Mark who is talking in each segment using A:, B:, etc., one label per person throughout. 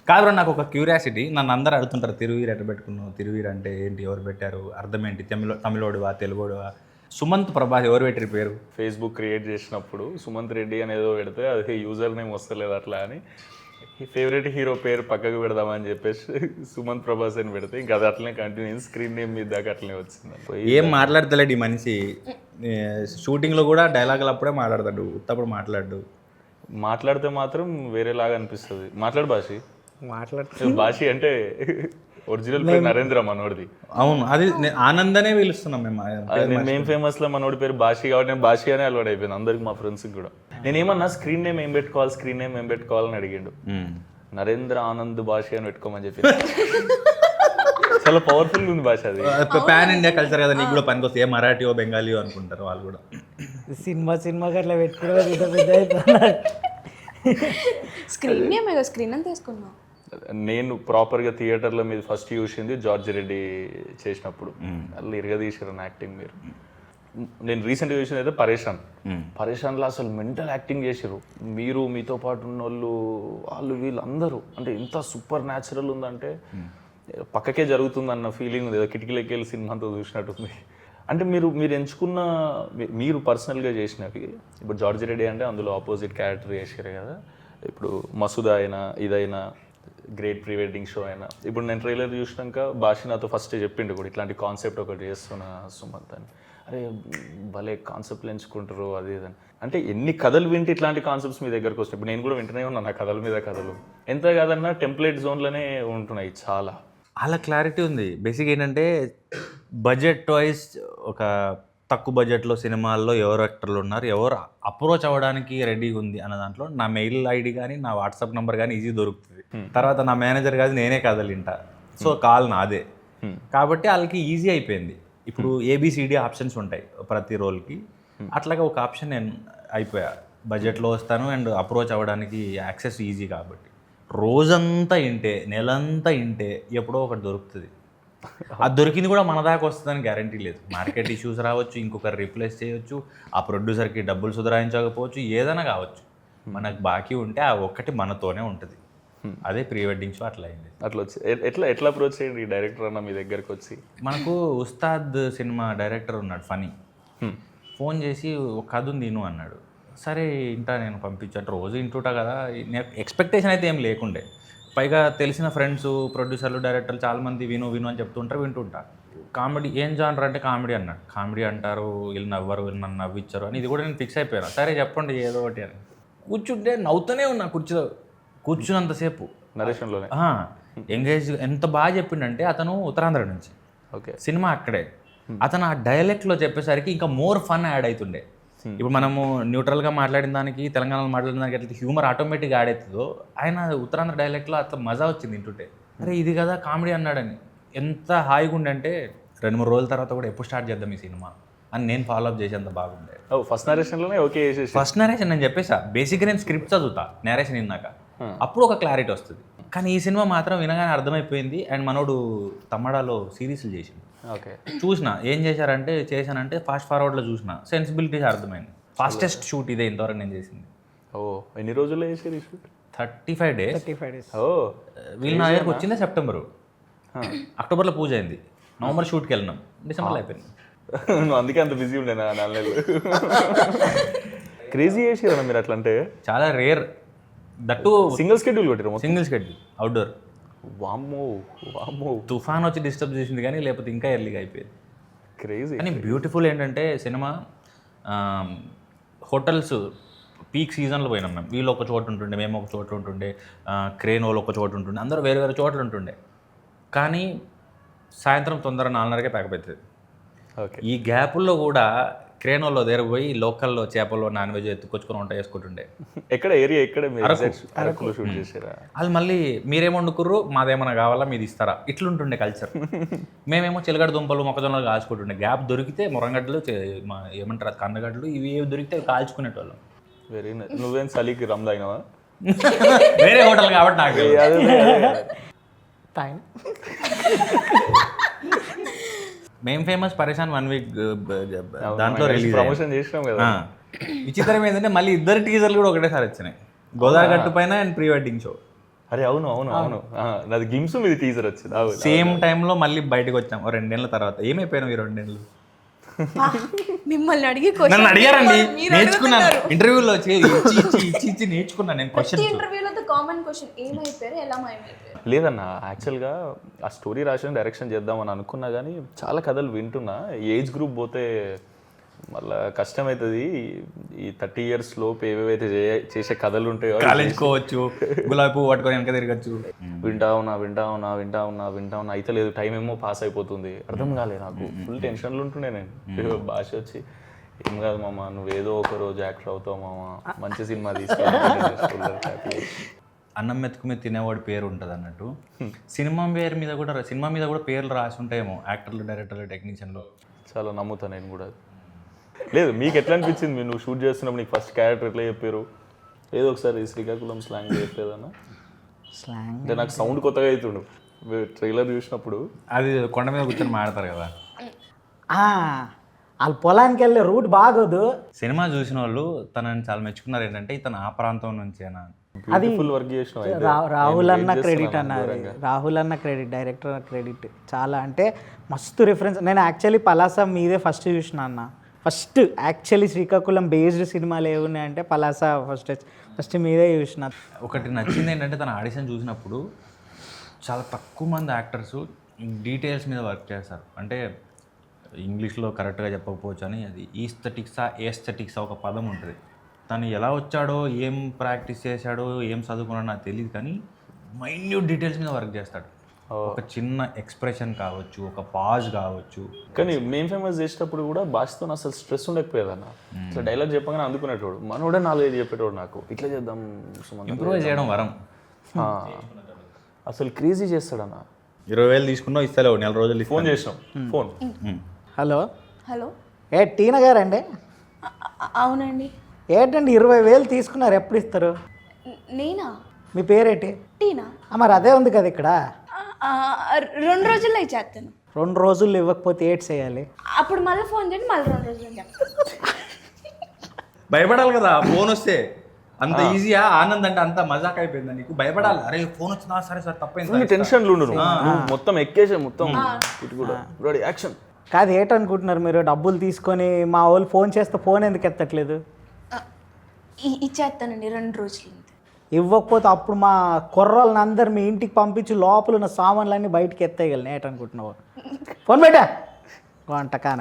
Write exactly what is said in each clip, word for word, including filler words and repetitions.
A: కాదు నాకు ఒక క్యూరియాసిటీ, నన్ను అందరూ అడుగుతుంటారు తిరువీరు ఎట్ట పెట్టుకున్నావు, తిరువీరు అంటే ఏంటి, ఎవరు పెట్టారు, అర్థం ఏంటి, తమిళ తమిళోడువా తెలుగోడువా? సుమంత్ ప్రభాస్ ఎవరు పెట్టారు పేరు?
B: ఫేస్బుక్ క్రియేట్ చేసినప్పుడు సుమంత్ రెడ్డి అనేదో పెడితే అది యూజర్ నేమ్ వస్తలేదు అట్లా అని ఫేవరెట్ హీరో పేరు పక్కకు పెడదామని చెప్పేసి సుమంత్ ప్రభాస్ అని పెడితే ఇంకా అది అట్లనే కంటిన్యూ స్క్రీన్ నేమ్ మీద దాకా అట్లనే వచ్చింది.
A: ఏం మాట్లాడతలేడు ఈ మనిషి, షూటింగ్లో కూడా డైలాగులు అప్పుడే మాట్లాడతాడు, ఉత్తప్పుడు మాట్లాడు.
B: మాట్లాడితే మాత్రం వేరేలాగా అనిపిస్తుంది. మాట్లాడు భాషి.
C: మాట్లాడుతూ
B: భాషి అంటే ఒరిజినల్ పేరు నరేంద్ర మనోడిది.
A: అవును, అది ఆనందనే పిలుస్తున్నాం మేము.
B: మేము ఫేమస్ లో మనోడి పేరు భాషి కాబట్టి నేను భాషి అనే అలవాటు అయిపోయింది అందరికి, మా ఫ్రెండ్స్కి కూడా. నేను ఏమన్నా స్క్రీన్ నేమ్ ఏం పెట్టుకోవాలి, స్క్రీన్ నేమ్ ఏం పెట్టుకోవాలని అడిగిండు. నరేంద్ర ఆనంద్ భాషి అని పెట్టుకోమని చెప్పి చాలా పవర్ఫుల్ ఉంది భాష. అది
A: పాన్ ఇండియా కల్చర్ కదా, నీకు కూడా పనికొస్తే ఏ మరాఠీయో బెంగాలీయో అనుకుంటారు వాళ్ళు కూడా.
C: సినిమా సినిమాకి అట్లా పెట్టుకోవడం ఇంత పెద్ద అవుతున్నారు.
D: స్క్రీన్ నేమ్ స్క్రీన్ అని తీసుకున్నావు.
B: నేను ప్రాపర్గా థియేటర్లో మీద ఫస్ట్ చూసింది జార్జ్ రెడ్డి చేసినప్పుడు. అట్లా ఇరగదీసారు యాక్టింగ్ మీరు. నేను రీసెంట్గా చూసింది అయితే పరేషాన్. పరేషాన్లో అసలు మెంటల్ యాక్టింగ్ చేసారు మీరు, మీతో పాటు ఉన్న వాళ్ళు, వాళ్ళు వీళ్ళు అందరూ. అంటే ఎంత సూపర్ న్యాచురల్ ఉందంటే పక్కకే జరుగుతుంది అన్న ఫీలింగ్ ఉంది. ఏదో కిటికీలకి వెళ్ళి సినిమాతో చూసినట్టుంది. అంటే మీరు మీరు ఎంచుకున్న మీరు పర్సనల్గా చేసినవి, ఇప్పుడు జార్జ్ రెడ్డి అంటే అందులో ఆపోజిట్ క్యారెక్టర్ చేసారు కదా. ఇప్పుడు మసూదా అయినా ఇదైనా గ్రేట్ ప్రీ వెడ్డింగ్ షో అయినా, ఇప్పుడు నేను ట్రైలర్ చూసినాక భాష నాతో ఫస్ట్ చెప్పిండు కూడా ఇట్లాంటి కాన్సెప్ట్ ఒకటి చేస్తున్నా సుమంత్ అని. అరే భలే కాన్సెప్ట్లు ఎంచుకుంటారు అది ఇదని. అంటే ఎన్ని కథలు వింటే ఇట్లాంటి కాన్సెప్ట్స్ మీ దగ్గరకు వస్తాయి. ఇప్పుడు నేను కూడా వింటూనే ఉన్నాను ఆ కథల మీద కథలు. ఎంత కాదన్నా టెంప్లెట్ జోన్లోనే ఉంటున్నాయి చాలా.
A: అలా క్లారిటీ ఉంది. బేసిక్ ఏంటంటే బడ్జెట్ వైజ్ ఒక తక్కువ బడ్జెట్లో సినిమాల్లో ఎవరు యాక్టర్లు ఉన్నారు, ఎవరు అప్రోచ్ అవ్వడానికి రెడీగా ఉంది అన్న దాంట్లో నా మెయిల్ ఐడి కానీ నా వాట్సాప్ నెంబర్ కానీ ఈజీ దొరుకుతుంది. తర్వాత నా మేనేజర్ కాదు నేనే కదలింటా, సో కాల్ నాదే. కాబట్టి వాళ్ళకి ఈజీ అయిపోయింది. ఇప్పుడు ఏబిసిడి ఆప్షన్స్ ఉంటాయి ప్రతి రోల్కి, అట్లాగే ఒక ఆప్షన్ నేను అయిపోయా. బడ్జెట్లో వస్తాను అండ్ అప్రోచ్ అవ్వడానికి యాక్సెస్ ఈజీ కాబట్టి రోజంతా ఇంటే నెలంతా ఇంటే ఎప్పుడో ఒకటి దొరుకుతుంది. అది దొరికింది కూడా మన దాకా వస్తుందని గ్యారంటీ లేదు. మార్కెట్ ఇష్యూస్ రావచ్చు, ఇంకొకరు రీప్లేస్ చేయొచ్చు, ఆ ప్రొడ్యూసర్కి డబ్బులు సుధరాయించకపోవచ్చు, ఏదైనా కావచ్చు. మనకు బాకీ ఉంటే ఆ ఒక్కటి మనతోనే ఉంటుంది. అదే ప్రీ వెడ్డింగ్ షో అట్లా అయింది.
B: అట్లా వచ్చి ఎట్లా ఎట్లా అప్రోచ్ చేయండి డైరెక్టర్ అన్న మీ దగ్గరకు వచ్చి?
A: మనకు ఉస్తాద్ సినిమా డైరెక్టర్ ఉన్నాడు ఫనీ, ఫోన్ చేసి ఒక కథ ఉంది విను అన్నాడు. సరే ఇంటా నేను పంపించాను, రోజు ఇంటుంటా కదా, ఎక్స్పెక్టేషన్ అయితే ఏం లేకుండే. పైగా తెలిసిన ఫ్రెండ్స్ ప్రొడ్యూసర్లు డైరెక్టర్లు చాలామంది విను విను అని చెప్తుంటారు, వింటుంటా. కామెడీ ఏం జానర్ అంటే కామెడీ అన్నాడు. కామెడీ అంటారు, వీళ్ళు నవ్వరు, వీళ్ళు నన్ను నవ్విచ్చారు అని ఇది కూడా నేను ఫిక్స్ అయిపోయాను. సరే చెప్పండి ఏదో ఒకటి అని కూర్చుంటే నవ్వుతూనే ఉన్నా కుర్చీలో కూర్చున్నంతసేపు.
B: నరేషన్లోనే
A: ఎంగేజ్ ఎంత బాగా చెప్పిండంటే అతను ఉత్తరాంధ్ర నుంచి,
B: ఓకే,
A: సినిమా అక్కడే. అతను ఆ డైలెక్ట్లో చెప్పేసరికి ఇంకా మోర్ ఫన్ యాడ్ అవుతుండే. ఇప్పుడు మనము న్యూట్రల్గా మాట్లాడిన దానికి తెలంగాణలో మాట్లాడిన దానికి ఎట్లా హ్యూమర్ ఆటోమేటిక్గా యాడ్ అవుతుందో, ఆయన ఉత్తరాంధ్ర డైలెక్ట్లో అట్లా మజా వచ్చింది వింటుంటే. అరే ఇది కదా కామెడీ అన్నాడని ఎంత హాయిగా ఉండంటే రెండు మూడు రోజుల తర్వాత కూడా ఎప్పుడు స్టార్ట్ చేద్దాం ఈ సినిమా అని నేను ఫాలో అప్ చేసేంత బాగుండే.
B: ఫస్ట్ నరేషన్లోనే ఓకే చేసేసి
A: ఫస్ట్ నరేషన్ నేను చెప్పేసా. బేసిక్గా నేను స్క్రిప్ట్ చదువుతా నేరేషన్ విన్నాక, అప్పుడు ఒక క్లారిటీ వస్తుంది. కానీ ఈ సినిమా మాత్రం వినగానే అర్థమైపోయింది. అండ్ మనోడు తమ్మడాలో సిరీస్లు చేసింది,
B: ఓకే,
A: చూసిన ఏం చేశారంటే చేశానంటే ఫాస్ట్ ఫార్వర్డ్లో చూసిన సెన్సిబిలిటీస్ అర్థమైంది. ఫాస్టెస్ట్ షూట్ ఇదే ఇంతవరకు నేను చేసింది.
B: ఓ ఎన్ని రోజుల్లో చేసేది shoot?
A: Thirty five days
C: thirty five days
B: ఓ
A: వీళ్ళు నా దగ్గరకు వచ్చిందే సెప్టెంబరు, అక్టోబర్లో పూజ అయింది, నవంబర్ షూట్కి వెళ్ళినాం, డిసెంబర్లో అయిపోయింది.
B: నువ్వు అందుకే అంత బిజీ ఉండే నా నాలుగు నెలలు. క్రేజీ చేసారా మీరు అట్లా? అంటే
A: చాలా రేర్, దట్టు
B: సింగిల్ స్కెడ్యూల్ కొట్టారు,
A: సింగిల్ స్కెడ్యూల్ అవుట్డోర్.
B: వామ్మో వామ్మో,
A: తుఫాన్ వచ్చి డిస్టర్బ్ చేసింది కానీ లేకపోతే ఇంకా ఎర్లీగా అయిపోయింది.
B: క్రేజీ.
A: కానీ బ్యూటిఫుల్ ఏంటంటే సినిమా హోటల్స్ పీక్ సీజన్లో పోయినాం మేము. వీళ్ళు ఒక చోటు ఉంటుండే, మేము ఒక చోటు ఉంటుండే, క్రేన్ వాళ్ళు ఒక చోటు ఉంటుండే, అందరూ వేరే వేరే చోట్ల ఉంటుండే. కానీ సాయంత్రం తొందర నాలుగున్నరకే ప్యాకప్ అవుతుంది.
B: ఓకే,
A: ఈ గ్యాపుల్లో కూడా క్రేన్ వాళ్ళు దగ్గర పోయి లోకల్లో చేపలు నాన్ వెజ్ ఎత్తుకొచ్చుకొని వంట చేసుకుంటుండే.
B: ఎక్కడ ఏరియా ఎక్కడ అరకులో షూట్ చేసారా?
A: వాళ్ళు మళ్ళీ మీరేమో వండుకుర్రు మాదేమన్నా కావాలా మీది ఇస్తారా ఇట్లుంటుండే కల్చర్. మేమేమో చిలగడ దుంపలు మొక్కజొన్నలు కాల్చుకుంటుండే. గ్యాప్ దొరికితే మురంగడ్డలు మా ఏమంటారు కందగడ్డలు ఇవి ఏవి దొరికితే కాల్చుకునేటోళ్ళం.
B: Very nice. నువ్వేం చలికి రమ్ తాగినావా?
A: వేరే హోటల్ కాబట్టి నాకు
C: టైం.
A: మేము ఫేమస్ పరేషాన్ వన్ వీక్ దాంట్లో రిలీజ్
B: ప్రమోషన్ చేసినాం కదా.
A: విచిత్రం ఏంటంటే మళ్ళీ ఇద్దరు టీజర్లు కూడా ఒకటేసారి వచ్చినాయి, గోదావరి గట్టు పైన అండ్ ప్రీ వెడ్డింగ్ షో.
B: అరే అవును అవును అవును ఆ, నాది గిమ్స్ మీద టీజర్ వచ్చింది అవును.
A: సేమ్ టైంలో మళ్ళీ బయటకు వచ్చాం ఓ రెండేళ్ల తర్వాత ఏమైపోయినావు ఈ రెండేళ్ళు
D: మిమ్మల్ని అడిగి
A: నన్ను అడిగారండి
D: మీరు
A: నేర్చుకున్నాను
D: అడుగుతున్నారు.
A: ఇంటర్వ్యూలో వచ్చి ఇచ్చి ఇచ్చి ఇచ్చి ఇచ్చి నేర్చుకున్నాను నేను
D: ప్రతి
A: క్వశ్చన్
D: ఇంటర్వ్యూలో కామన్ క్వశ్చన్ ఏమైపోయారు ఎలా మాయమైపోయారు.
B: లేదన్న యాక్చువల్గా ఆ స్టోరీ రాసిన డైరెక్షన్ చేద్దామని అనుకున్నా కానీ చాలా కథలు వింటున్నా ఏజ్ గ్రూప్ పోతే మళ్ళా కష్టమవుతుంది. ఈ థర్టీ ఇయర్స్ లోపు ఏవేవైతే చే- చేసే కథలు ఉంటాయో
A: కాలేజ్ కోవచ్చు గులాబీ పువ్వు పట్టుకొని వెనక తిరగచ్చు
B: వింటా ఉన్నా వింటా ఉన్నా వింటా ఉన్నా వింటా ఉన్నా అయితే లేదు టైం ఏమో పాస్ అయిపోతుంది అర్థం కాలేదు నాకు ఫుల్ టెన్షన్లు ఉంటుండే నేను భాష వచ్చి ఏం కాదు మామ నువ్వు ఏదో ఒక రోజు యాక్టర్ అవుతావు మామ మంచి సినిమా తీసుకెళ్ళి
A: అన్నం మెతుకు మీద తినేవాడి పేరు ఉంటుంది అన్నట్టు సినిమా పేరు మీద కూడా సినిమా మీద కూడా పేర్లు రాసి ఉంటాయేమో యాక్టర్లు డైరెక్టర్లు టెక్నీషియన్లు.
B: చాలా నమ్ముతా నేను కూడా. లేదు మీకు ఎట్లా అనిపించింది మీరు నువ్వు షూట్ చేస్తున్నప్పుడు నీకు ఫస్ట్ క్యారెక్టర్ ఎట్లా చెప్పారు? ఏదో ఒకసారి శ్రీకాకుళం స్లాంగ్ చెప్పేదన్నా
C: స్లాంగ్
B: అంటే నాకు సౌండ్ కొత్తగా అవుతుండు ట్రైలర్ చూసినప్పుడు.
A: అది కొండ మీద కూర్చొని మాడతారు కదా.
C: వాళ్ళ పొలానికి వెళ్ళే రూట్ బాగోదు.
A: సినిమా చూసిన వాళ్ళు తనని చాలా మెచ్చుకున్నారు ఏంటంటే ఇతను ఆ ప్రాంతం నుంచేనా.
B: బ్యూటిఫుల్ వర్క్ చేసిన
C: రా- రాహుల్ అన్న క్రెడిట్ అన్నది రాహుల్ అన్న క్రెడిట్ డైరెక్టర్ క్రెడిట్ చాలా అంటే మస్తు రిఫరెన్స్. నేను యాక్చువల్లీ పలాస మీదే ఫస్ట్ చూసిన అన్న. ఫస్ట్ యాక్చువల్లీ శ్రీకాకుళం బేస్డ్ సినిమాలు ఏమున్నాయంటే పలాస ఫస్ట్ ఫస్ట్ మీదే చూసిన.
A: ఒకటి నచ్చింది ఏంటంటే తన ఆడిషన్ చూసినప్పుడు చాలా తక్కువ మంది యాక్టర్స్ డీటెయిల్స్ మీద వర్క్ చేస్తారు. అంటే ఇంగ్లీష్లో కరెక్ట్గా చెప్పకపోవచ్చు అని అది ఈస్థెటిక్సా ఏస్థెటిక్సా ఒక పదం ఉంటుంది. తను ఎలా వచ్చాడో ఏం ప్రాక్టీస్ చేశాడో ఏం చదువుకున్నాడో నాకు తెలియదు కానీ మైన్యూట్ డీటెయిల్స్ మీద వర్క్ చేస్తాడు. ఒక చిన్న ఎక్స్ప్రెషన్ కావచ్చు ఒక పాజ్ కావచ్చు.
B: కానీ మేము ఫేమస్ చేసేటప్పుడు కూడా భాషతో అసలు స్ట్రెస్ ఉండకపోయేదన్న. అసలు డైలాగ్ చెప్పగానే అందుకునేటోడు మనోడే నాలుగైదు చెప్పేటోడు నాకు ఇట్లా చేద్దాం సుమంత్
A: ఇంప్రూవ్ చేయడం వరం.
B: ఆ, అసలు క్రేజీ చేస్తాడన్న.
A: ఇరవై వేలు తీసుకున్నావు ఇస్తలేవు నెల రోజులు
B: ఫోన్ చేసినాం ఫోన్
C: హలో
D: హలో
C: ఏ టీనా గారండి
D: అ- అ- అవునండి
C: ఏంటండి ఇరవై వేలు తీసుకున్నారు ఎప్పుడు ఇస్తారు?
D: న- నేనా
C: మీ పేరేంటి?
D: టీనా
C: ఆ, మరి అదే ఉంది కదా ఇక్కడ.
D: ఆ, ఆ, రెండు రోజుల్లో ఇచ్చేస్తాను.
C: రెండు రోజులు ఇవ్వకపోతే ఏడ్ చేయాలి.
D: అప్పుడు మళ్ళీ ఫోన్ చేయండి మళ్ళీ రెండు రోజుల్లో చెప్తాను.
A: భయపడాలి కదా ఫోన్ వస్తే. అంత ఈజీయా ఆనంద్ అంటే అంత మజాక్ అయిపోయిందా నీకు? భయపడాలి. అరే ఫోన్ వచ్చిందా సరే సార్ తప్పైంది.
B: టెన్షన్లు ఉండు నువ్వు. నువ్వు మొత్తం ఎక్కేసే మొత్తం ఇటు కూడా రెడీ యాక్షన్.
C: కాదు ఏంటనుకుంటున్నారు మీరు? డబ్బులు తీసుకొని మా వాళ్ళు ఫోన్ చేస్తే ఫోన్ ఎందుకు ఎత్తట్లేదు?
D: ఆ, ఇ- ఇచ్చేస్తానండి రెండు రోజులు అంతే.
C: ఇవ్వకపోతే అప్పుడు మా కుర్రోళ్ళని అందరు మీ ఇంటికి పంపించి లోపల ఉన్న సామాన్లన్నీ బయటికి ఎత్తేయగలను. ఏంటనుకుంటున్నావు? ఫోన్ పెట్టా వంటకాన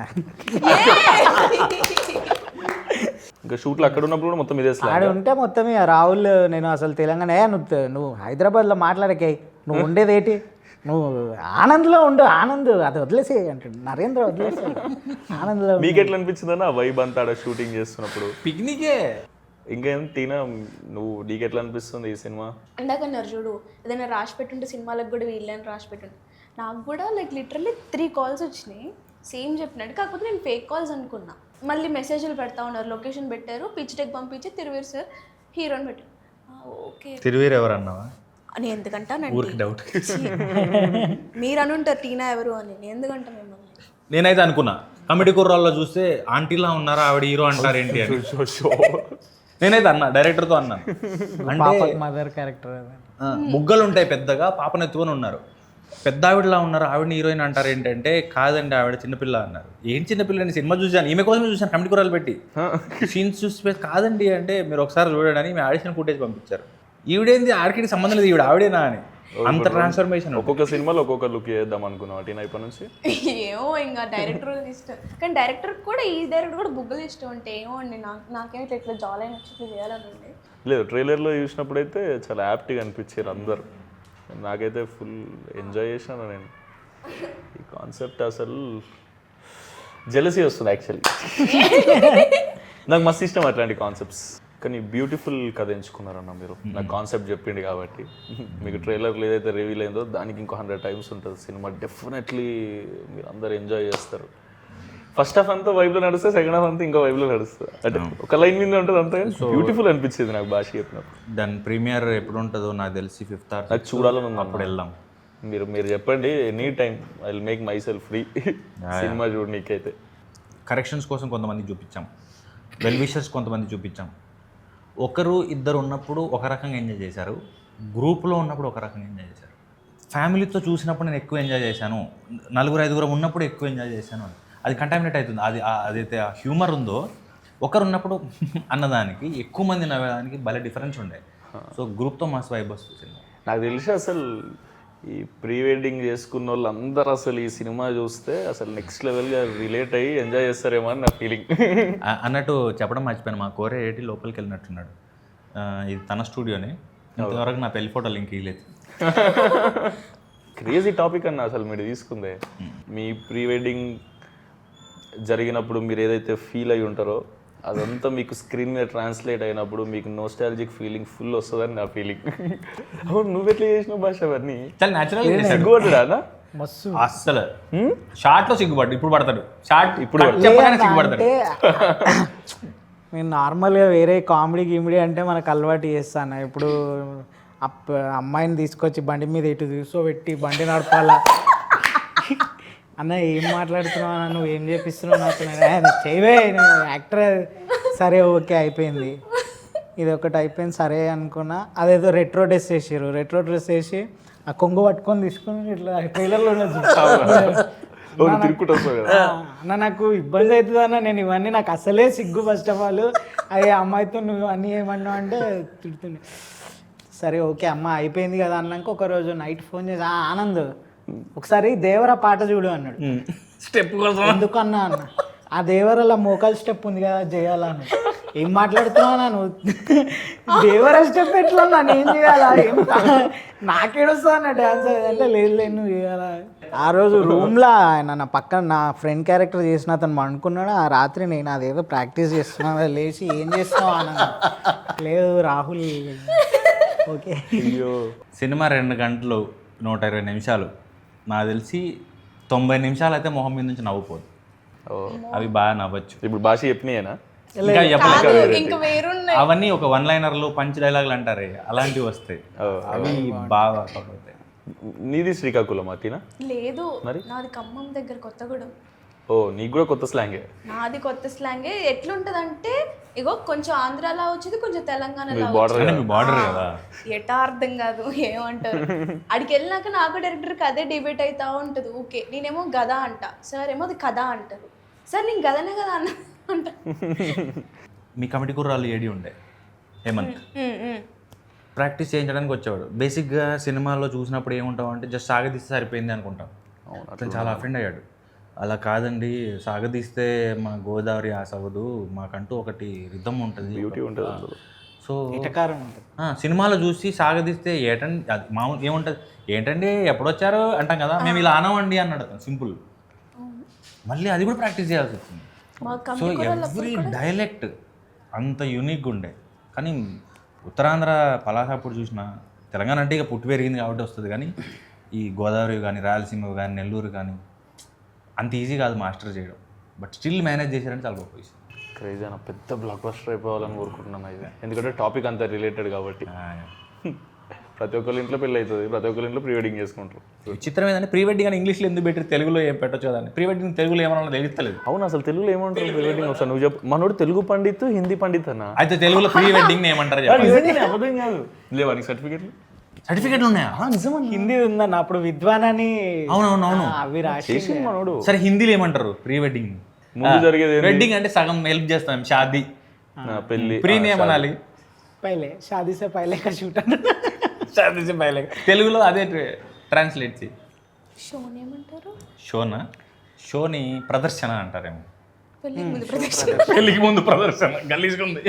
B: ఇంకా షూట్లు అక్కడ ఉన్నప్పుడు కూడా మొత్తం ఇదే
C: ఆడ
B: స్లాంగ్.
C: ఉంటే మొత్తం ఇక రాహుల్ నేను అసలు తెలంగాణ ఏ నువ్వు తె- నువ్వు హైదరాబాద్లో మాట్లాడకే నువ్వు ఉండేది ఏంటి? నువ్వు ఆనంద్లో ఉండు. ఆనంద్ అది వదిలేసే అంటాడు నరేంద్ర వదిలేసే ఆనంద్లో ఉండు.
B: మీకు ఎట్లా అనిపించింది అన్న వైబ్ అంతా ఆడ షూటింగ్ చేస్తున్నప్పుడు?
A: పిక్నికే.
B: ఇంకేం టీనా నువ్వు నీకు ఎట్లా అనిపిస్తుంది ఈ సినిమా?
D: ఇందాక అన్నారు చూడు ఏదైనా రాసి పెట్టుంటే సినిమాలకు కూడా వీళ్ళని రాసి పెట్టుంటే నాకు కూడా లైక్ లిటరల్లీ త్రీ కాల్స్ వచ్చినాయి సేమ్ చెప్పినట్టు. కాకపోతే నేను ఫేక్ కాల్స్ అనుకున్నా. మళ్ళీ మెసేజ్లు పెడతా ఉన్నారు లొకేషన్ పెట్టారు పిచ్ డెక్ పంపించి తిరువేరు సార్ హీరోని పెట్టారు. ఆ, ఓకే
A: తిరువీరు ఎవరు అన్నావా?
D: అని ఎందుకంటానండి
A: ఊరికి డౌట్.
D: మీరు అనుంటారు టీనా ఎవరు అని నేను ఎందుకంటా మిమ్మల్ని.
A: నేనైతే అనుకున్నా కమిటీ కుర్రాల్లో చూస్తే ఆంటీలా ఉన్నారా ఆవిడ హీరో అంటారు ఏంటి అని. నేనైతే అన్నా డైరెక్టర్తో అన్నాను. అంటే
C: మదర్ క్యారెక్టర్
A: ఆ, బుగ్గలు ఉంటాయి పెద్దగా పాపను ఎత్తుకొని ఉన్నారు. పెద్ద ఆవిడలా ఉన్నారు ఆవిడని హీరోయిన్ అంటారు ఏంటంటే కాదండి ఆవిడ చిన్నపిల్ల అన్నారు. ఏం చిన్నపిల్ల అని సినిమా చూసాను ఈమె కోసమే చూసాను కమిటీ కుర్రాలు పెట్టి సీన్స్ చూసి కాదండి అంటే మీరు ఒకసారి చూడండి అని మేము ఆడిషన్ ఫుటేజ్ పంపించారు. ఈవిడేంది ఆడికి సంబంధం లేదు ఈవిడ ఆవిడేనా అని అంత ట్రాన్స్ఫర్మేషన్.
B: ఒక్కొక్క సినిమాలో ఒక్కొక్క లుక్ చేద్దాం అనుకున్నావు టీనా ఇప్పటి నుంచి?
D: ఏమో ఇంకా డైరెక్టర్ ఇష్టం కానీ డైరెక్టర్ కూడా ఈ డైరెక్టర్ కూడా బుగ్గలు ఇష్టం అంటే ఏమో అండి నాకు నాకేమో ఇట్లా ఇట్లా జాల్ అయిన వచ్చి చేయాలని ఉండే.
B: లేదు ట్రైలర్లో చూసినప్పుడు అయితే చాలా యాప్ట్గా అనిపించారు అందరు. నాకైతే ఫుల్ ఎంజాయ్ చేశాను నేను. ఈ కాన్సెప్ట్ అసలు జెలసీ వస్తుంది యాక్చువల్లీ. నాకు మస్తు ఇష్టం అట్లాంటి కాన్సెప్ట్స్. కానీ బ్యూటిఫుల్ కథ ఎంచుకున్నారన్న మీరు. నాకు కాన్సెప్ట్ చెప్పింది కాబట్టి మీకు ట్రైలర్లో ఏదైతే రివీల్ అయిందో దానికి ఇంకో హండ్రెడ్ టైమ్స్ ఉంటుంది సినిమా. డెఫినెట్లీ మీరు అందరు ఎంజాయ్ చేస్తారు. ఫస్ట్ హాఫ్ అంతా వైబ్లో నడుస్తే సెకండ్ హాఫ్ అంతా ఇంకో వైబ్లో నడుస్తుంది. అంటే ఒక లైన్ మీద ఉంటుంది అంతే. బ్యూటిఫుల్ అనిపించింది నాకు భాష చెప్పినప్పుడు.
A: దాని ప్రీమియర్ ఎప్పుడు ఉంటుందో నాకు తెలిసి ఫిఫ్త్ ఆర్
B: నాకు చూడాలని ఉంది.
A: అప్పుడు వెళ్దాం.
B: మీరు మీరు చెప్పండి any time I will make myself free cinema చూడు. నీకైతే
A: కరెక్షన్స్ కోసం కొంతమంది చూపించాం, వెల్ విషర్స్ కొంతమంది చూపించాం. ఒకరు ఇద్దరు ఉన్నప్పుడు ఒక రకంగా ఎంజాయ్ చేశారు, గ్రూప్లో ఉన్నప్పుడు ఒక రకంగా ఎంజాయ్ చేశారు, ఫ్యామిలీతో చూసినప్పుడు నేను ఎక్కువ ఎంజాయ్ చేశాను, నలుగురు ఐదుగురు ఉన్నప్పుడు ఎక్కువ ఎంజాయ్ చేశాను అని. అది కంటామినేట్ అవుతుంది. అది ఆ- అదైతే ఆ హ్యూమర్ ఉందో ఒకరు ఉన్నప్పుడు అన్నదానికి ఎక్కువ మంది నవ్వేదానికి భలే డిఫరెన్స్ ఉండే. సో గ్రూప్తో మస్తు వైబ్ వస్తుంది.
B: నాకు తెలిసి అసలు ఈ ప్రీ వెడ్డింగ్ చేసుకున్న వాళ్ళు అందరూ అసలు ఈ సినిమా చూస్తే అసలు నెక్స్ట్ లెవెల్గా రిలేట్ అయ్యి ఎంజాయ్ చేస్తారేమో అని నా ఫీలింగ్.
A: ఆ- అన్నట్టు చెప్పడం మర్చిపోయాను, మా కోరే ఏటి లోపలికి వెళ్ళినట్టున్నాడు. ఆ, ఇది తన స్టూడియోనే, ఇంతవరకు నా పెళ్లి ఫోటో లింక్ ఇవ్వలేదు.
B: క్రేజీ టాపిక్ అన్న అసలు మీరు తీసుకుందే. మీ ప్రీ వెడ్డింగ్ జరిగినప్పుడు మీరు ఏదైతే ఫీల్ అయి ఉంటారో అదంతా మీకు స్క్రీన్ మీద ట్రాన్స్లేట్ అయినప్పుడు మీకు నోస్టాలజిక్ ఫీలింగ్ ఫుల్ వస్తుందని నా ఫీలింగ్. అవును, నువ్వు ఎట్లా చేసినావు భాష అవన్నీ?
A: చాలా న్యాచురల్
B: సిగ్గుపడ్డా?
C: మస్తు
A: అస్సలు షార్ట్ లో సిగ్గుపడ్డు, ఇప్పుడు పడతాడు షార్ట్
B: ఇప్పుడు
A: చెప్పగానే సిగ్గుపడతాడు.
C: అంటే నేను నార్మల్గా వేరే కామెడీ గిమిడీ అంటే మనకు అలవాటు చేస్తాను. ఇప్పుడు అప్ అమ్మాయిని తీసుకొచ్చి బండి మీద ఇటు కూర్చోబెట్టి బండి నడపాలా అన్న ఏం మాట్లాడుతున్నావు అన్న, నువ్వు ఏం చేపిస్తున్నావు నాకు, నేను చేయవే నువ్వు యాక్టర్. సరే ఓకే అయిపోయింది, ఇది ఒకటి అయిపోయింది సరే అనుకున్నా. అదేదో రెట్రో డ్రెస్ వేసారు, రెట్రో డ్రెస్ వేసి ఆ కొంగు పట్టుకొని తీసుకొని ఇట్లా ట్రైలర్లో
B: తిరుక్కుంటూ వస్తావు కదా.
C: అన్న నాకు ఇబ్బంది అవుతుంది అన్న, నేను ఇవన్నీ నాకు అసలే సిగ్గు. ఫస్ట్ ఆఫ్ ఆల్ అయ్యే అమ్మాయితో నువ్వు అన్నీ ఏమన్నావు అంటే తిడుతుంది. సరే ఓకే అమ్మ అయిపోయింది కదా అన్నాక ఒకరోజు నైట్ ఫోన్ చేసి, "ఆ, ఆనంద్ ఒకసారి దేవర పాట చూడు" అన్నాడు.
A: స్టెప్ కోసం
C: ఎందుకు అన్నా అన్న, ఆ దేవరలో మోకాల్ స్టెప్ ఉంది కదా చేయాలని. ఏం మాట్లాడుతున్నావు నువ్వు, దేవర స్టెప్ ఎట్లా నన్ను ఏం చేయాలా, ఏం నాకేడొస్తా అన్న డ్యాన్స్ అంటే, లేదు లేదు నువ్వు చేయాలా. ఆ రోజు రూమ్లో ఆయన నా పక్కన నా ఫ్రెండ్ క్యారెక్టర్ చేసిన అతను అనుకున్నాడు. ఆ రాత్రి నేను అదేదో ప్రాక్టీస్ చేస్తున్నా, లేచి ఏం చేస్తున్నావు అన్న, లేదు రాహుల్ ఓకే.
B: అయ్యో,
A: సినిమా రెండు గంటలు నూట ఇరవై నిమిషాలు, నాకు తెలిసి తొంభై నిమిషాలు అయితే మొహం మీద నుంచి నవ్వుపోదు. అవి బాగా నవ్వచ్చు.
B: ఇప్పుడు భాష చెప్పినాయేనా?
A: ఇంకా చెప్పలేదు,
D: ఇంకా వేరున్నాయి.
A: అవన్నీ ఒక వన్ లైనర్లు పంచ్ డైలాగులు అంటారే అలాంటివి వస్తాయి, అవి బాగా అవుతాయి.
B: నీది శ్రీకాకుళం అతినా?
D: లేదు, నాది ఖమ్మం దగ్గర కొత్తగూడెం.
B: ఓ, నీకు కూడా కొత్త స్లాంగే.
D: నాది కొత్త స్లాంగే. ఎట్లుంటది అంటే ఇగో కొంచెం ఆంధ్రాలో వచ్చింది, కొంచెం తెలంగాణలో
B: బార్డర్
A: అంటే మీ బార్డర్ కదా.
D: ఎటా అర్థం కాదు ఏమంటారు. అడికి వెళ్ళినాక నాకు డైరెక్టర్కి అదే డిబేట్ అవుతా ఉంటుంది. ఓకే నేనేమో గదా అంట, సార్ ఏమో అది కథ అంటారు. సార్ నేను గదనే కదా అన్న అంట.
A: మీ కమిటీ కుర్రాళ్ళు ఏడి ఉండే హేమంత్ ప్రాక్టీస్ చేయించడానికి వచ్చేవాడు. బేసిక్గా సినిమాల్లో చూసినప్పుడు ఏముంటావు అంటే జస్ట్ సాగదీస్తే సరిపోయింది అనుకుంటాం. అతను చాలా అఫెండ్ అయ్యాడు. అలా కాదండి, సాగదీస్తే మా గోదావరి ఆశ అవ్వదు, మాకంటూ ఒకటి రిథమ్ ఉంటుంది,
B: బ్యూటీ ఉంటుంది.
A: సో
C: ఇటకారం ఉంటుంది.
A: సినిమాలో చూసి సాగదీస్తే ఏటండి అది మామూలు ఏముంటుంది, ఏంటండి ఎప్పుడొచ్చారు అంటాం కదా, మేము ఇలా అనవండి అన్నాడు అతను సింపుల్. మళ్ళీ అది కూడా ప్రాక్టీస్ చేయాల్సి వచ్చింది. సో ఎవ్రీ డైలెక్ట్ అంత యూనిక్గా ఉండే. కానీ ఉత్తరాంధ్ర పలాసాపూర్ చూసిన, తెలంగాణ అంటే ఇక పుట్టి పెరిగింది కాబట్టి వస్తుంది, కానీ ఈ గోదావరి కానీ రాయలసీమ కానీ నెల్లూరు కానీ అంత ఈజీ కాదు మాస్టర్ చేయడం. బట్ స్టిల్ మేనేజ్ చేశారంటే చాలా గొప్ప విషయం.
B: క్రేజీ అన్న, పెద్ద బ్లాక్ బస్టర్ అయిపోవాలని కోరుకుంటున్నాను అయితే, ఎందుకంటే టాపిక్ అంతా రిలేటెడ్ కాబట్టి. ప్రతి ఒక్కరి ఇంట్లో పెళ్ళి అవుతుంది, ప్రతి ఒక్కరి ఇంట్లో ప్రీ వెడ్డింగ్ చేసుకుంటారు.
A: విచిత్రం ఏంటంటే ప్రీ వెడ్డింగ్ అని ఇంగ్లీష్లో ఎందుకు పెట్టి తెలుగులో ఏం పెట్టచ్చు కదా, ప్రీ వెడ్డింగ్ తెలుగులో ఏమన్నా తెలియలేదు.
B: అవును, అసలు తెలుగులో ఏమంటారు ప్రీ వెడ్డింగ్? ఒకసారి నువ్వు చెప్పు. మనోడు తెలుగు పండిత్, హిందీ పండిత్ అన్న.
A: అయితే తెలుగులో ప్రీ వెడ్డింగ్ ఏమంటారు?
B: అబద్ధం కాదు, లేవా నీకు సర్టిఫికేట్లు?
A: సర్టిఫికేట్లు ఉన్నాయా?
C: నిజమా, హిందీ ఉందన్న. అప్పుడు విద్వాన్ అని
A: అవునవునవును
C: అవి రాసి
B: చేసింది మనోడు.
A: సరే హిందీలో ఏమంటారు ప్రీ వెడ్డింగ్?
B: ముందు జరిగేది
A: వెడ్డింగ్ అంటే సగం హెల్ప్ చేస్తాం, షాదీ
B: పెళ్లి.
A: ప్రీ ఏమనాలి?
C: పైలే షాదీ సే పైలే కా షూట్ అన్న.
A: షాదీ సే పైలే తెలుగులో అదే ట్రాన్స్లేట్ చేయి.
D: షోని ఏమంటారు?
A: షోనా? షోని ప్రదర్శన అంటారేమో.
D: పెళ్ళికి ముందు ప్రదర్శన.
A: పెళ్ళికి ముందు ప్రదర్శన గలీజ్గుంది.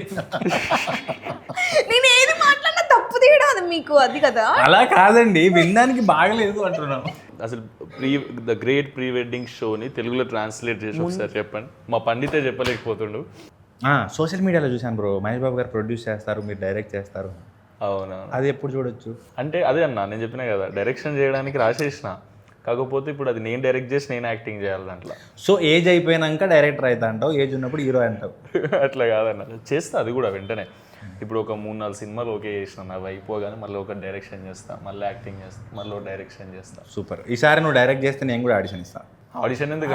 D: నేను ఏది మాట్లాడినా తప్పు తీయడం అది మీకు అది కదా.
A: అలా కాదండి, వినడానికి బాగలేదు అంటున్నాం.
B: అసలు pre the great pre wedding షోని తెలుగులో ట్రాన్స్లేట్ చేసి ఒకసారి చెప్పండి. మా పండితే చెప్పలేకపోతుండు.
A: సోషల్ మీడియాలో చూశాను బ్రో, మహేష్ బాబు గారు ప్రొడ్యూస్ చేస్తారు, మీరు డైరెక్ట్ చేస్తారు.
B: అవునా?
A: అది ఎప్పుడు చూడొచ్చు?
B: అంటే అదే అన్న, నేను చెప్పినా కదా డైరెక్షన్ చేయడానికి రాసేసిన, కాకపోతే ఇప్పుడు అది నేను డైరెక్ట్ చేసి నేను యాక్టింగ్ చేయాలి దాంట్లో.
A: సో ఏజ్ అయిపోయినాక డైరెక్టర్ అవుతా అంటావు, ఏజ్ ఉన్నప్పుడు హీరో అంటావు.
B: అట్లా కాదన్న, చేస్తా అది కూడా వెంటనే. ఇప్పుడు ఒక మూడు నాలుగు సినిమాలు ఓకే చేసిన, అవి అయిపోగానే మళ్ళీ ఒక డైరెక్షన్ చేస్తా, మళ్ళీ యాక్టింగ్ చేస్తా, మళ్ళీ ఒక డైరెక్షన్ చేస్తా.
A: సూపర్. ఈసారి నువ్వు డైరెక్ట్ చేస్తే నేను కూడా ఆడిషన్ ఇస్తాను.
B: ఆడిషన్ ఎందుకు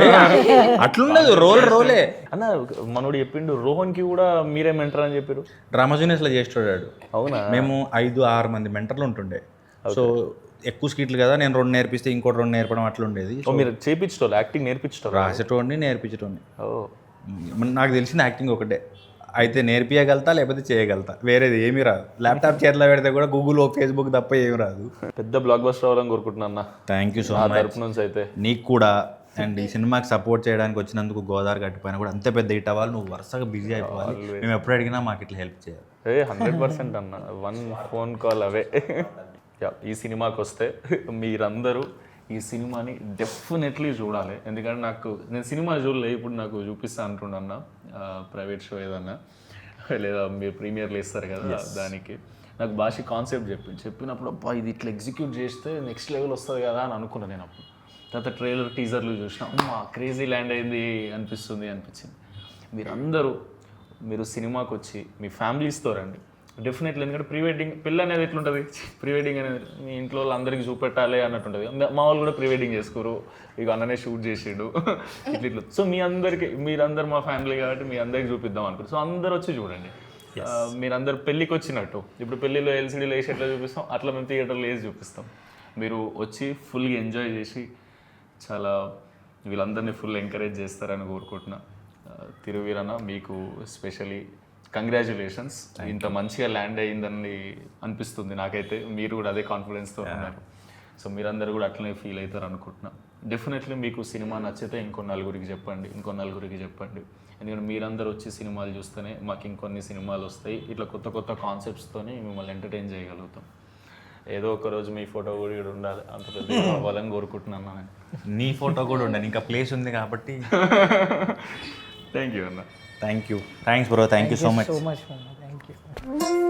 A: అట్లుండదు, రోల్ రోలే.
B: అన్న మనోడు చెప్పిండు రోహన్కి కూడా మీరే మెంటర్ అని చెప్పారు.
A: డ్రామా జూనియర్స్లో చేస్తాడు.
B: అవునా?
A: మేము ఐదు ఆరు మంది మెంటర్లు ఉంటుండే. సో ఎక్కువ స్కిట్లు కదా, నేను రెండు నేర్పిస్తే ఇంకోటి రెండు నేర్పడం అట్లా ఉండేది.
B: ఓ, మీరు చేపించటోళ్ళు యాక్టింగ్ నేర్పించటోళ్ళు?
A: రాసేటోడిని నేర్పించటోడిని.
B: ఓ,
A: నాకు తెలిసిన యాక్టింగ్ ఒకటే, అయితే నేర్పియగలుగుతా లేకపోతే చేయగలుగుతా, వేరేది ఏమీ రాదు. ల్యాప్టాప్ చేతిలో పెడితే కూడా గూగుల్ ఫేస్బుక్ తప్ప ఏమి రాదు.
B: పెద్ద బ్లాక్ బస్టర్ అవ్వాలని కోరుకుంటున్నా అన్న.
A: థ్యాంక్ యూ సో
B: నా
A: మచ్
B: తరపు నుంచి అయితే.
A: నీకు కూడా. అండ్ ఈ సినిమాకి సపోర్ట్ చేయడానికి వచ్చినందుకు గోదావరి గట్టిపోయినా కూడా అంతే పెద్ద హిట్ అవ్వాలి, నువ్వు వరుసగా బిజీ అయిపోవాలి. మేము ఎప్పుడు అడిగినా మాకు ఇట్లా హెల్ప్ చేయాలి.
B: ఏ హండ్రెడ్ పర్సెంట్ అన్న, వన్ ఫోన్ కాల్ అవే. యా, ఈ సినిమాకి వస్తే మీరందరూ ఈ సినిమాని డెఫినెట్లీ చూడాలి. ఎందుకంటే నాకు నేను సినిమా చూడలే, ఇప్పుడు నాకు చూపిస్తా అంటుండన్న ప్రైవేట్ షో ఏదన్నా లేదా మీరు ప్రీమియర్లు ఇస్తారు కదా దానికి. నాకు భాష కాన్సెప్ట్ చెప్పింది, చెప్పినప్పుడు అబ్బా ఇది ఇట్లా ఎగ్జిక్యూట్ చేస్తే నెక్స్ట్ లెవెల్ వస్తుంది కదా అని అనుకున్నాను నేను. అప్పుడు తర్వాత ట్రైలర్ టీజర్లు చూసినా అమ్మా క్రేజీ ల్యాండ్ అయింది అనిపిస్తుంది అనిపించింది. మీరందరూ మీరు సినిమాకి వచ్చి మీ ఫ్యామిలీస్తో రండి డెఫినెట్లీ. ఎందుకంటే ప్రీ వెడ్డింగ్ పెళ్ళి అనేది ఎట్లుంటుంది, ప్రీ వెడ్డింగ్ అనేది మీ ఇంట్లో వాళ్ళందరికీ చూపెట్టాలి అన్నట్టు ఉంటుంది. మా వాళ్ళు కూడా ప్రీ వెడ్డింగ్ చేసుకోరు, ఇక అన్ననే షూట్ చేసిండు ఇట్లా ఇట్లా. సో మీ అందరికి, మీరందరు మా ఫ్యామిలీ కాబట్టి మీ అందరికి చూపిద్దాం అనుకుంటారు. సో అందరు వచ్చి చూడండి. మీరందరు పెళ్ళికి వచ్చినట్టు, ఇప్పుడు పెళ్ళిలో ఎల్సీడీలో వేసి ఎట్లా చూపిస్తాం అట్లా మేము థియేటర్లో వేసి చూపిస్తాం. మీరు వచ్చి ఫుల్గా ఎంజాయ్ చేసి చాలా వీళ్ళందరినీ ఫుల్ ఎంకరేజ్ చేస్తారని కోరుకుంటున్నా. తిరువీరన్న మీకు స్పెషలీ కంగ్రాచులేషన్స్. ఇంత మంచిగా ల్యాండ్ అయ్యిందని అనిపిస్తుంది నాకైతే. మీరు కూడా అదే కాన్ఫిడెన్స్తో ఉన్నారు. సో మీరందరూ కూడా అట్లనే ఫీల్ అవుతారు అనుకుంటున్నా. డెఫినెట్లీ మీకు సినిమా నచ్చితే ఇంకో నలుగురికి చెప్పండి, ఇంకో నలుగురికి చెప్పండి. ఎందుకంటే మీరందరూ వచ్చి సినిమాలు చూస్తేనే మాకు ఇంకొన్ని సినిమాలు వస్తాయి. ఇట్లా కొత్త కొత్త కాన్సెప్ట్స్తోని మిమ్మల్ని ఎంటర్టైన్ చేయగలుగుతాం. ఏదో ఒక రోజు మీ ఫోటో కూడా ఇక్కడ ఉండాలి, అంత పెద్ద అవ్వాలని కోరుకుంటున్నాను నేను.
A: నీ ఫోటో కూడా ఉండాలి, ఇంకా ప్లేస్ ఉంది కాబట్టి.
B: థ్యాంక్ యూ అన్న.
A: Thank you, thanks bro, thank you so much.
C: So much thank you.